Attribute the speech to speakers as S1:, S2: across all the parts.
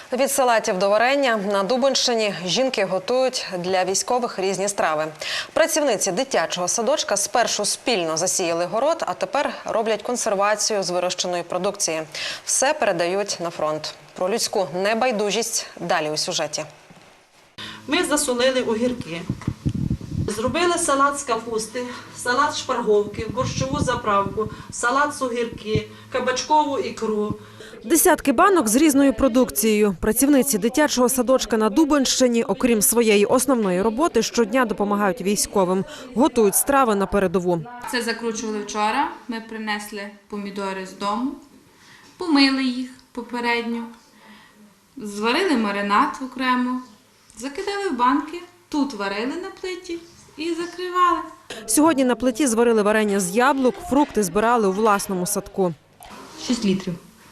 S1: Від салатів до варення на Дубенщині жінки готують для військових різні страви. Працівниці дитячого садочка спершу спільно засіяли город, а тепер роблять консервацію з вирощеної продукції. Все передають на фронт. Про людську небайдужість далі у сюжеті.
S2: Ми засолили огірки. Зробили салат з капусти, салат з шпарговки, борщову заправку, салат з огірки, кабачкову ікру.
S1: Десятки банок з різною продукцією. Працівниці дитячого садочка на Дубенщині, окрім своєї основної роботи, щодня допомагають військовим. Готують страви на передову.
S3: Це закручували вчора. Ми принесли помідори з дому, помили їх попередньо, зварили маринад окремо, закидали в банки, тут варили на плиті і закривали.
S1: Сьогодні на плиті зварили варення з яблук, фрукти збирали у власному садку.
S4: 6 літрів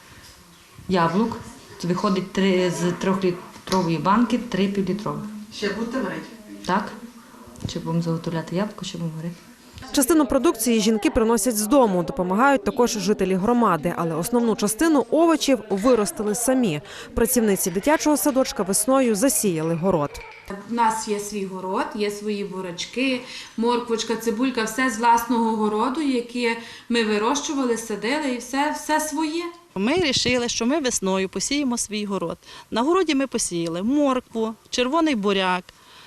S4: яблук. Це виходить з 3-літрової банки 3 півлітрових.
S2: Ще будете варити?
S4: Так. Чи будемо заготовляти яблуко, чи будемо варити.
S1: Частину продукції жінки приносять з дому, допомагають також жителі громади, але основну частину овочів виростили самі. Працівниці дитячого садочка весною засіяли город.
S3: У нас є свій город, є свої бурячки, морквочка, цибулька, все з власного городу, яке ми вирощували, садили і все своє.
S2: Ми вирішили, що ми весною посіємо свій город. На городі ми посіяли моркву, червоний буряк,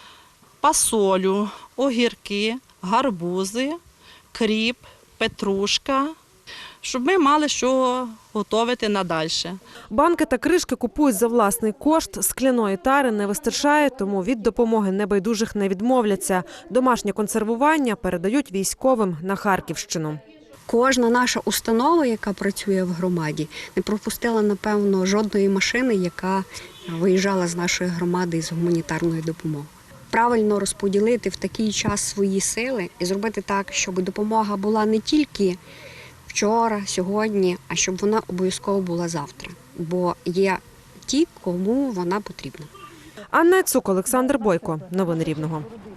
S2: пасолю, огірки, гарбузи, кріп, петрушка, щоб ми мали що готувати надальше.
S1: Банки та кришки купують за власний кошт, скляної тари не вистачає, тому від допомоги небайдужих не відмовляться. Домашнє консервування передають військовим на Харківщину.
S5: Кожна наша установа, яка працює в громаді, не пропустила, напевно, жодної машини, яка виїжджала з нашої громади з гуманітарною допомогою. Правильно розподілити в такий час свої сили і зробити так, щоб допомога була не тільки вчора, сьогодні, а щоб вона обов'язково була завтра. Бо є ті, кому вона потрібна.
S1: Анна Цук, Олександр Бойко. Новини Рівного.